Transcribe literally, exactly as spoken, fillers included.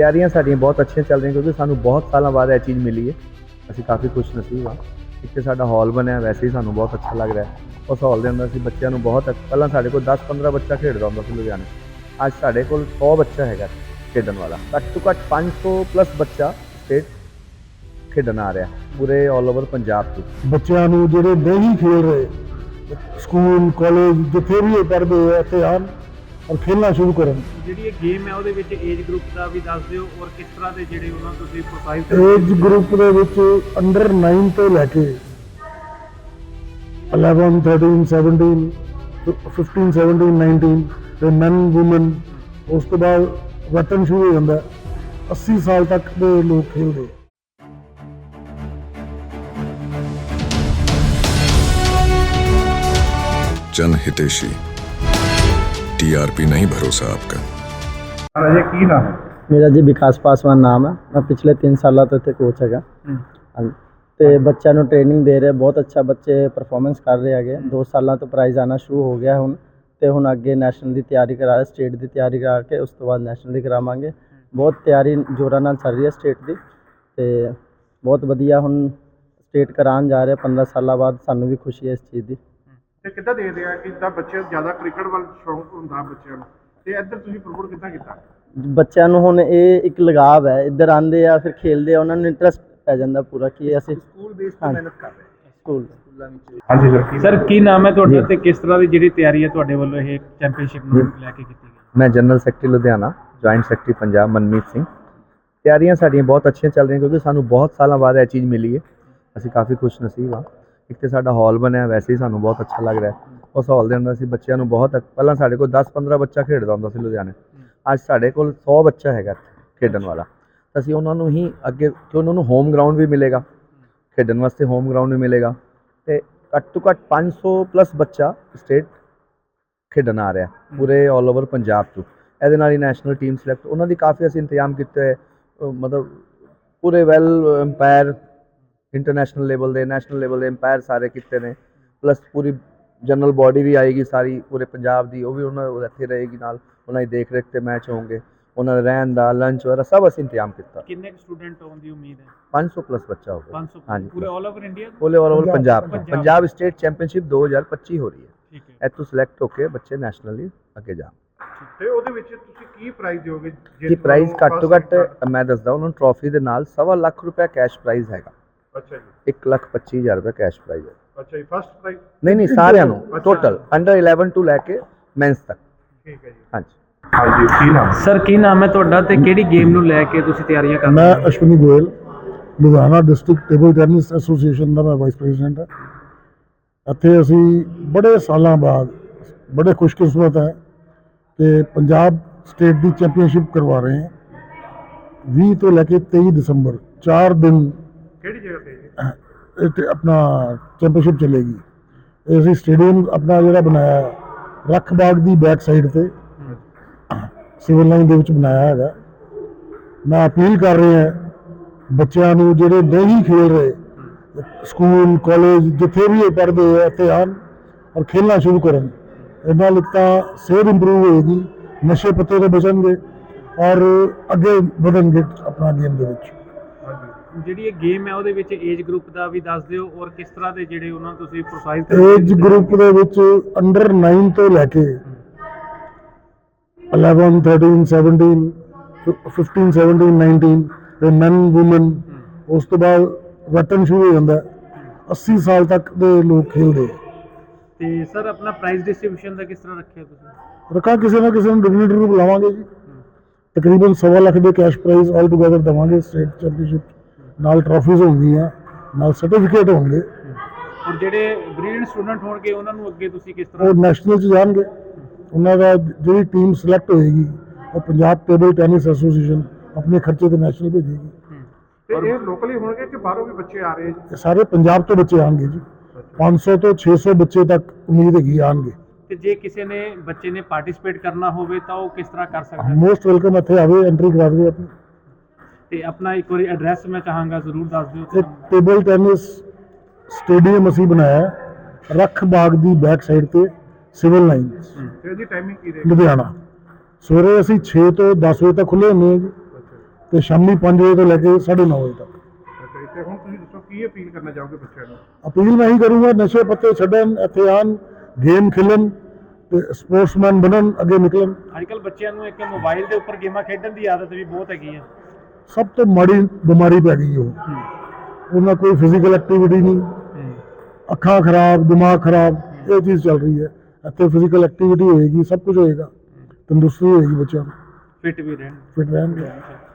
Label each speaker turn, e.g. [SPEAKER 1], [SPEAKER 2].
[SPEAKER 1] ਤਿਆਰੀਆਂ ਸਾਡੀਆਂ ਬਹੁਤ ਅੱਛੀਆਂ ਚੱਲ ਰਹੀਆਂ ਕਿਉਂਕਿ ਸਾਨੂੰ ਬਹੁਤ ਸਾਲਾਂ ਬਾਅਦ ਇਹ ਚੀਜ਼ ਮਿਲੀ ਹੈ। ਅਸੀਂ ਕਾਫੀ ਖੁਸ਼ ਨਸੀਬ ਹਾਂ। ਇੱਕ ਤਾਂ ਸਾਡਾ ਹਾਲ ਬਣਿਆ, ਵੈਸੇ ਹੀ ਸਾਨੂੰ ਬਹੁਤ ਅੱਛਾ ਲੱਗ ਰਿਹਾ। ਉਸ ਹਾਲ ਦੇ ਅੰਦਰ ਅਸੀਂ ਬੱਚਿਆਂ ਨੂੰ ਬਹੁਤ ਪਹਿਲਾਂ ਸਾਡੇ ਕੋਲ ਦਸ ਪੰਦਰਾਂ ਬੱਚਾ ਖੇਡਦਾ ਹੁੰਦਾ ਸੀ ਲੁਧਿਆਣੇ, ਅੱਜ ਸਾਡੇ ਕੋਲ ਸੌ ਬੱਚਾ ਹੈਗਾ ਖੇਡਣ ਵਾਲਾ। ਘੱਟ ਤੋਂ ਘੱਟ ਪੰਜ ਸੌ ਪਲੱਸ ਬੱਚਾ ਸਟੇਟ ਖੇਡਣ ਆ ਰਿਹਾ ਪੂਰੇ ਆਲ ਓਵਰ ਪੰਜਾਬ ਤੋਂ।
[SPEAKER 2] ਬੱਚਿਆਂ ਨੂੰ ਜਿਹੜੇ ਨਹੀਂ ਖੇਡ ਰਹੇ ਸਕੂਲ ਕਾਲਜ ਜਿੱਥੇ ਵੀ ਇਹ ਪੜ੍ਹਦੇ ਆ ਇੱਥੇ ਆਉਣ ਔਰ ਖੇਡਣਾ ਸ਼ੁਰੂ ਕਰਨ।
[SPEAKER 3] ਜਿਹੜੀ ਇਹ ਗੇਮ ਹੈ ਉਹਦੇ ਵਿੱਚ ਏਜ ਗਰੁੱਪ ਦਾ ਵੀ ਦੱਸ ਦਿਓ ਔਰ ਕਿਸ ਤਰ੍ਹਾਂ ਦੇ ਜਿਹੜੇ ਉਹਨਾਂ ਤੁਸੀਂ ਪ੍ਰੋਫਾਈਲ
[SPEAKER 2] ਏਜ ਗਰੁੱਪ ਦੇ ਵਿੱਚ ਅੰਡਰ ਨੌ ਤੋਂ ਲੈ ਕੇ eleven thirteen seventeen fifteen seventeen nineteen ਤੇ ਮੈਨ ਵੂਮਨ, ਉਸ ਤੋਂ ਬਾਅਦ ਵਤਨ ਸ਼ੁਰੂ ਹੋ ਜਾਂਦਾ। ਅੱਸੀ ਸਾਲ ਤੱਕ ਦੇ ਲੋਕ ਖੇਡਦੇ।
[SPEAKER 4] जन हितेशी टीआरपी नहीं भरोसा आपका।
[SPEAKER 3] ਰਾਜੇ ਕੀ ਨਾਮ ਹੈ?
[SPEAKER 5] मेरा जी विकास पासवान नाम है। मैं पिछले तीन साल तो इतने कोच है। तो बच्चों को ट्रेनिंग दे रहे, बहुत अच्छा बच्चे परफॉर्मेंस कर रहे हैं। दो साल तो प्राइज़ आना शुरू हो गया हूँ। तो हूँ अगे नैशनल की तैयारी करा रहे, स्टेट की तैयारी करा के उस तो बाद नैशनल की करावांगे। बहुत तैयारी जोरों नाल चल रही है स्टेट की। तो बहुत वधिया हूँ स्टेट करान जा रहे पंद्रह साल बाद। सानू भी खुशी है इस चीज़ की।
[SPEAKER 3] ਤੇ ਕਿੱਦਾਂ ਦੇਖਦੇ ਆ ਕਿ ਜਿੱਦਾਂ ਬੱਚੇ ਜ਼ਿਆਦਾ ਕ੍ਰਿਕਟ ਵੱਲ ਸ਼ੌਂਕ ਹੁੰਦਾ ਬੱਚਿਆਂ ਨੂੰ, ਤੇ ਇੱਧਰ ਤੁਸੀਂ ਪ੍ਰਮੋਟ ਕਿੱਦਾਂ ਕੀਤਾ?
[SPEAKER 5] ਬੱਚਿਆਂ ਨੂੰ ਹੁਣ ਇਹ ਇੱਕ ਲਗਾਵ ਹੈ, ਇੱਧਰ ਆਉਂਦੇ ਆ ਫਿਰ ਖੇਲਦੇ ਆ, ਉਹਨਾਂ ਨੂੰ ਇੰਟਰਸਟ ਪੈ ਜਾਂਦਾ ਪੂਰਾ ਕਿ ਅਸੀਂ
[SPEAKER 1] ਸਕੂਲ ਬੇਸ ਤੇ ਮਿਹਨਤ ਕਰ ਰਹੇ ਹਾਂ।
[SPEAKER 5] ਸਕੂਲ
[SPEAKER 1] ਸਕੂਲਾਂ ਵਿੱਚ
[SPEAKER 3] ਹਾਂਜੀ ਸਰ। ਸਰ ਕੀ ਨਾਮ ਹੈ ਤੁਹਾਡਾ ਤੇ ਕਿਸ ਤਰ੍ਹਾਂ ਦੀ ਜਿਹੜੀ ਤਿਆਰੀ ਹੈ ਤੁਹਾਡੇ ਵੱਲੋਂ ਇਹ ਚੈਂਪੀਅਨਸ਼ਿਪ ਨੂੰ ਲੈ ਕੇ ਕੀਤੀ ਗਈ?
[SPEAKER 1] ਮੈਂ general secretary Ludhiana, joint secretary Punjab Manmeet Singh. ਤਿਆਰੀਆਂ ਸਾਡੀਆਂ ਬਹੁਤ ਅੱਛੀਆਂ ਚੱਲ ਰਹੀਆਂ ਕਿਉਂਕਿ ਸਾਨੂੰ ਬਹੁਤ ਸਾਲਾਂ ਬਾਅਦ ਇਹ ਚੀਜ਼ ਮਿਲੀ ਹੈ। ਅਸੀਂ ਕਾਫੀ ਖੁਸ਼ ਨਸੀਬ ਹਾਂ। ਇੱਕ ਤਾਂ ਸਾਡਾ ਹਾਲ ਬਣਿਆ, ਵੈਸੇ ਹੀ ਸਾਨੂੰ ਬਹੁਤ ਅੱਛਾ ਲੱਗ ਰਿਹਾ। ਉਸ ਹਾਲ ਦੇ ਅੰਦਰ ਅਸੀਂ ਬੱਚਿਆਂ ਨੂੰ ਬਹੁਤ ਪਹਿਲਾਂ ਸਾਡੇ ਕੋਲ ਦਸ ਪੰਦਰਾਂ ਬੱਚਾ ਖੇਡਦਾ ਹੁੰਦਾ ਸੀ ਲੁਧਿਆਣੇ, ਅੱਜ ਸਾਡੇ ਕੋਲ ਸੌ ਬੱਚਾ ਹੈਗਾ ਖੇਡਣ ਵਾਲਾ। ਅਸੀਂ ਉਹਨਾਂ ਨੂੰ ਹੀ ਅੱਗੇ ਕਿ ਉਹਨਾਂ ਨੂੰ ਹੋਮ ਗਰਾਊਂਡ ਵੀ ਮਿਲੇਗਾ, ਖੇਡਣ ਵਾਸਤੇ ਹੋਮ ਗਰਾਊਂਡ ਵੀ ਮਿਲੇਗਾ। ਅਤੇ ਘੱਟ ਤੋਂ ਘੱਟ ਪੰਜ ਸੌ ਪਲੱਸ ਬੱਚਾ ਸਟੇਟ ਖੇਡਣ ਆ ਰਿਹਾ ਪੂਰੇ ਆਲ ਓਵਰ ਪੰਜਾਬ ਤੋਂ। ਇਹਦੇ ਨਾਲ ਹੀ ਨੈਸ਼ਨਲ ਟੀਮ ਸਿਲੈਕਟ, ਉਹਨਾਂ ਦੀ ਕਾਫੀ ਅਸੀਂ ਇੰਤਜ਼ਾਮ ਕੀਤੇ ਹੋਏ, ਮਤਲਬ ਪੂਰੇ ਵੈਲ ਅੰਪਾਇਰ ਇੰਟਰਨੈਸ਼ਨਲ ਲੈਵਲ ਦੇ ਨੈਸ਼ਨਲ ਲੈਵਲ ਦੇ ਅੰਪਾਇਰ ਸਾਰੇ ਕੀਤੇ ਨੇ। ਪਲੱਸ ਪੂਰੀ ਜਨਰਲ ਬੋਡੀ ਵੀ ਆਏਗੀ ਸਾਰੀ ਪੂਰੇ ਪੰਜਾਬ ਦੀ, ਉਹ ਵੀ ਉਹਨਾਂ ਇੱਥੇ ਰਹੇਗੀ ਨਾਲ, ਉਹਨਾਂ ਦੀ ਦੇਖ ਰੇਖ 'ਤੇ ਮੈਚ ਹੋਣਗੇ। ਉਹਨਾਂ ਦਾ ਰਹਿਣ ਦਾ, ਲੰਚ ਵਗੈਰਾ ਸਭ ਅਸੀਂ ਇੰਤਜ਼ਾਮ ਕੀਤਾ।
[SPEAKER 3] ਕਿੰਨੇ ਸਟੂਡੈਂਟ ਹੋਣ ਦੀ ਉਮੀਦ ਹੈ?
[SPEAKER 1] ਪੰਜ ਸੌ ਪਲੱਸ ਬੱਚਾ ਹੋਊਗਾ।
[SPEAKER 3] ਪੰਜ ਸੌ
[SPEAKER 1] ਹਾਂਜੀ,
[SPEAKER 3] ਪੂਰੇ ਆਲ ਓਵਰ ਇੰਡੀਆ?
[SPEAKER 1] ਪੂਰੇ all over Punjab.
[SPEAKER 3] Punjab.
[SPEAKER 1] Punjab state championship ਦੋ ਹਜ਼ਾਰ ਪੱਚੀ ਹੋ ਰਹੀ ਹੈ।
[SPEAKER 3] ਠੀਕ ਹੈ।
[SPEAKER 1] ਇੱਥੋਂ ਸਿਲੈਕਟ ਹੋ ਕੇ ਬੱਚੇ ਨੈਸ਼ਨਲੀ ਅੱਗੇ ਜਾਣ।
[SPEAKER 3] ਤੇ ਉਹਦੇ ਵਿੱਚ ਤੁਸੀਂ ਕੀ ਪ੍ਰਾਈਜ਼ ਦਿਓਗੇ?
[SPEAKER 1] ਕੀ ਪ੍ਰਾਈਜ਼? ਘੱਟ ਤੋਂ ਘੱਟ ਮੈਂ ਦੱਸਦਾ ਉਹਨਾਂ ਨੂੰ, ਟਰੋਫੀ ਦੇ ਨਾਲ ਸਵਾ ਲੱਖ ਰੁਪਏ ਕੈਸ਼ ਪ੍ਰਾਈਜ਼ ਹੈਗਾ।
[SPEAKER 3] ਅੱਛਾ ਜੀ।
[SPEAKER 1] ਇੱਕ ਲੱਖ ਪੱਚੀ ਹਜ਼ਾਰ ਰੁਪਏ ਕੈਸ਼ ਪ੍ਰਾਈਜ਼ ਹੈ।
[SPEAKER 3] ਅੱਛਾ ਜੀ। First prize?
[SPEAKER 1] ਨਹੀਂ ਨਹੀਂ, ਸਾਰਿਆਂ ਨੂੰ ਟੋਟਲ ਅੰਡਰ ਇਲੈਵਨ ਤੋਂ ਲੈ ਕੇ ਮੈਂਸ ਤੱਕ।
[SPEAKER 3] ਠੀਕ ਹੈ ਜੀ।
[SPEAKER 1] ਹਾਂਜੀ
[SPEAKER 3] ਹਾਂਜੀ। ਕੀ ਨਾਮ ਸਰ? ਕੀ ਨਾਮ ਹੈ ਤੁਹਾਡਾ ਤੇ ਕਿਹੜੀ ਗੇਮ ਨੂੰ ਲੈ ਕੇ ਤੁਸੀਂ ਤਿਆਰੀਆਂ ਕਰ ਰਹੇ ਹੋ?
[SPEAKER 2] ਮੈਂ Ashwani Goyal, Ludhiana district table tennis association ਦਾ ਮੈਂ ਵਾਈਸ ਪ੍ਰੈਜ਼ੀਡੈਂਟ ਹਾਂ। ਇੱਥੇ ਅਸੀਂ ਬੜੇ ਸਾਲਾਂ ਬਾਅਦ ਬੜੇ ਖੁਸ਼ਕਿਸਮਤ ਹੈ ਕਿ ਪੰਜਾਬ ਸਟੇਟ ਦੀ ਚੈਂਪੀਅਨਸ਼ਿਪ ਕਰਵਾ ਰਹੇ ਹਾਂ। ਵੀਹ ਤੋਂ ਲੈ ਕੇ ਤੇਈ ਦਸੰਬਰ ਚਾਰ ਦਿਨ
[SPEAKER 3] ਕਿਹੜੀ ਜਗ੍ਹਾ ਤੇ ਜੀ?
[SPEAKER 2] ਇੱਥੇ ਆਪਣਾ ਚੈਂਪੀਅਨਸ਼ਿਪ ਚੱਲੇਗੀ। ਇਹ ਅਸੀਂ ਸਟੇਡੀਅਮ ਆਪਣਾ ਜਿਹੜਾ ਬਣਾਇਆ ਰੱਖ ਬਾਗ ਦੀ ਬੈਕ ਸਾਈਡ 'ਤੇ ਸਿਵਲ ਲਾਈਨ ਦੇ ਵਿੱਚ ਬਣਾਇਆ ਹੈਗਾ। ਮੈਂ ਅਪੀਲ ਕਰ ਰਿਹਾ ਬੱਚਿਆਂ ਨੂੰ ਜਿਹੜੇ ਨਹੀਂ ਖੇਡ ਰਹੇ ਸਕੂਲ ਕਾਲਜ ਜਿੱਥੇ ਵੀ ਇਹ ਪੜ੍ਹਦੇ ਆ ਇੱਥੇ ਆਉਣ ਔਰ ਖੇਡਣਾ ਸ਼ੁਰੂ ਕਰਨ। ਇਹਦੇ ਨਾਲ ਇੱਕ ਤਾਂ ਸਿਹਤ ਇੰਪਰੂਵ ਹੋਏਗੀ, ਨਸ਼ੇ ਪੱਤੇ ਤੋਂ ਬਚਣਗੇ ਔਰ ਅੱਗੇ ਵਧਣਗੇ ਆਪਣਾ ਗੇਮ ਦੇ ਵਿੱਚ।
[SPEAKER 3] ਜਿਹੜੀ ਇਹ ਗੇਮ ਹੈ ਉਹਦੇ ਵਿੱਚ ਏਜ ਗਰੁੱਪ ਦਾ ਵੀ ਦੱਸ ਦਿਓ ਔਰ ਕਿਸ ਤਰ੍ਹਾਂ ਦੇ ਜਿਹੜੇ ਉਹਨਾਂ ਨੂੰ ਤੁਸੀਂ ਪ੍ਰੋਫਾਈਲ
[SPEAKER 2] ਏਜ ਗਰੁੱਪ ਦੇ ਵਿੱਚ ਅੰਡਰ ਨੌ ਤੋਂ ਲੈ ਕੇ eleven thirteen seventeen fifteen seventeen nineteen ਤੇ ਮੈਨ ਵੂਮਨ, ਉਸ ਤੋਂ ਬਾਅਦ ਵਤਨ ਸ਼ੁਰੂ ਹੋ ਜਾਂਦਾ। ਅੱਸੀ ਸਾਲ ਤੱਕ ਦੇ ਲੋਕ ਖੇਡਦੇ।
[SPEAKER 3] ਤੇ ਸਰ ਆਪਣਾ ਪ੍ਰਾਈਜ਼ ਡਿਸਟ੍ਰੀਬਿਊਸ਼ਨ ਦਾ ਕਿਸ ਤਰ੍ਹਾਂ ਰੱਖਿਆ ਤੁਸੀਂ?
[SPEAKER 2] ਰੱਖਾਂ ਕਿਸੇ ਨਾ ਕਿਸੇ ਨੂੰ ਡਿਗਨਿਟਰੀ ਨੂੰ ਬੁਲਾਵਾਂਗੇ ਜੀ। ਤਕਰੀਬਨ ਸਵਾ ਲੱਖ ਦੇ ਕੈਸ਼ ਪ੍ਰਾਈਜ਼ ਆਲ ਟੂਗੇਦਰ ਦੇਵਾਂਗੇ। ਸਟੇਟ ਚੈਂਪੀਅਨਸ਼ਿਪ ਨਾਲ ਟਰਾਫੀਜ਼ ਹੋਣਗੀਆਂ, ਨਾਲ ਸਰਟੀਫਿਕੇਟ ਹੋਣਗੇ।
[SPEAKER 3] ਔਰ ਜਿਹੜੇ ਬ੍ਰਿਲੀਅੰਟ ਸਟੂਡੈਂਟ ਹੋਣਗੇ ਉਹਨਾਂ ਨੂੰ ਅੱਗੇ ਤੁਸੀਂ ਕਿਸ ਤਰ੍ਹਾਂ?
[SPEAKER 2] ਉਹ ਨੈਸ਼ਨਲ 'ਚ ਜਾਣਗੇ। ਉਹਨਾਂ ਦਾ ਜਿਹੜੀ ਟੀਮ ਸਿਲੈਕਟ ਹੋਏਗੀ ਉਹ ਪੰਜਾਬ ਟੇਬਲ ਟੈਨਿਸ ਐਸੋਸੀਏਸ਼ਨ ਆਪਣੇ ਖਰਚੇ 'ਤੇ ਨੈਸ਼ਨਲ ਭੇਜੇਗੀ।
[SPEAKER 3] ਤੇ ਇਹ ਲੋਕਲੀ ਹੋਣਗੇ ਕਿ ਬਾਹਰੋਂ ਵੀ ਬੱਚੇ ਆ ਰਹੇ?
[SPEAKER 2] ਇਹ ਸਾਰੇ ਪੰਜਾਬ ਤੋਂ ਬੱਚੇ ਆਉਣਗੇ ਜੀ। ਪੰਜ ਸੌ ਤੋਂ ਛੇ ਸੌ ਬੱਚੇ ਤੱਕ ਉਮੀਦ ਹੈਗੀ ਆਉਣਗੇ।
[SPEAKER 3] ਤੇ ਜੇ ਕਿਸੇ ਨੇ ਬੱਚੇ ਨੇ ਪਾਰਟਿਸਿਪੇਟ ਕਰਨਾ ਹੋਵੇ ਤਾਂ ਉਹ ਕਿਸ ਤਰ੍ਹਾਂ ਕਰ ਸਕਦਾ?
[SPEAKER 2] ਮੋਸਟ ਵੈਲਕਮ, ਇੱਥੇ ਆਵੇ, ਐਂਟਰੀ ਕਰਾ ਦੇਵੇ ਆਪਣੀ।
[SPEAKER 3] ਤੇ ਆਪਣਾ ਇੱਕ ਵਾਰੀ ਐਡਰੈਸ ਮੈਂ ਚਾਹਾਂਗਾ ਜ਼ਰੂਰ ਦੱਸ ਦਿਓ।
[SPEAKER 2] ਇਹ ਟੇਬਲ ਟੈਨਿਸ ਸਟੇਡੀਅਮ ਅਸੀਂ ਬਣਾਇਆ ਰੱਖ ਬਾਗ ਦੀ ਬੈਕ ਸਾਈਡ 'ਤੇ ਸਿਵਲ ਲਾਈਨ।
[SPEAKER 3] ਤੇ ਇਹਦੀ ਟਾਈਮਿੰਗ ਕੀ ਰਹੇਗੀ?
[SPEAKER 2] ਲੁਧਿਆਣਾ। ਸਵੇਰੇ ਅਸੀਂ ਛੇ ਤੋਂ ਦਸ ਵਜੇ ਤੱਕ ਖੁੱਲ੍ਹੇ ਹੁੰਦੇ ਹਾਂ ਜੀ। ਤੇ ਸ਼ਾਮੀ ਪੰਜ ਵਜੇ ਤੋਂ ਲੈ ਕੇ ਸਾਢੇ ਨੌ ਵਜੇ ਤੱਕ।
[SPEAKER 3] ਅੱਛਾ ਜੀ, ਤੇ ਹੁਣ ਤੁਸੀਂ ਦੱਸੋ ਕੀ ਅਪੀਲ ਕਰਨਾ ਚਾਹੋਗੇ ਬੱਚਿਆਂ ਨੂੰ?
[SPEAKER 2] ਅਪੀਲ ਮੈਂ ਹੀ ਕਰੂੰਗਾ, ਨਸ਼ੇ ਪੱਤੇ ਛੱਡਣ, ਇੱਥੇ ਆਉਣ, ਗੇਮ ਖੇਲਣ ਤੇ ਸਪੋਰਟਸਮੈਨ ਬਣਨ, ਅੱਗੇ ਨਿਕਲਣ।
[SPEAKER 6] ਅੱਜ ਕੱਲ੍ਹ ਬੱਚਿਆਂ ਨੂੰ ਇੱਕ ਮੋਬਾਈਲ ਦੇ ਉੱਪਰ ਗੇਮਾਂ ਖੇਡਣ ਦੀ ਆਦਤ ਵੀ ਬਹੁਤ ਹੈਗੀ ਹੈ।
[SPEAKER 2] ਸਭ ਤੋਂ ਮਾੜੀ ਬਿਮਾਰੀ ਪੈ ਗਈ ਉਹ, ਉਹਨਾਂ ਕੋਈ ਫਿਜ਼ੀਕਲ ਐਕਟੀਵਿਟੀ ਨਹੀਂ, ਅੱਖਾਂ ਖਰਾਬ, ਦਿਮਾਗ ਖਰਾਬ, ਇਹ ਚੀਜ਼ ਚੱਲ ਰਹੀ ਹੈ। ਇੱਥੇ ਫਿਜ਼ੀਕਲ ਐਕਟੀਵਿਟੀ ਹੋਏਗੀ, ਸਭ ਕੁਝ ਹੋਏਗਾ, ਤੰਦਰੁਸਤੀ ਹੋਏਗੀ, ਬੱਚਿਆਂ ਨੂੰ
[SPEAKER 6] ਫਿੱਟ ਵੀ ਰਹਿਣ।
[SPEAKER 2] ਫਿਟ ਰਹਿਣਗੇ।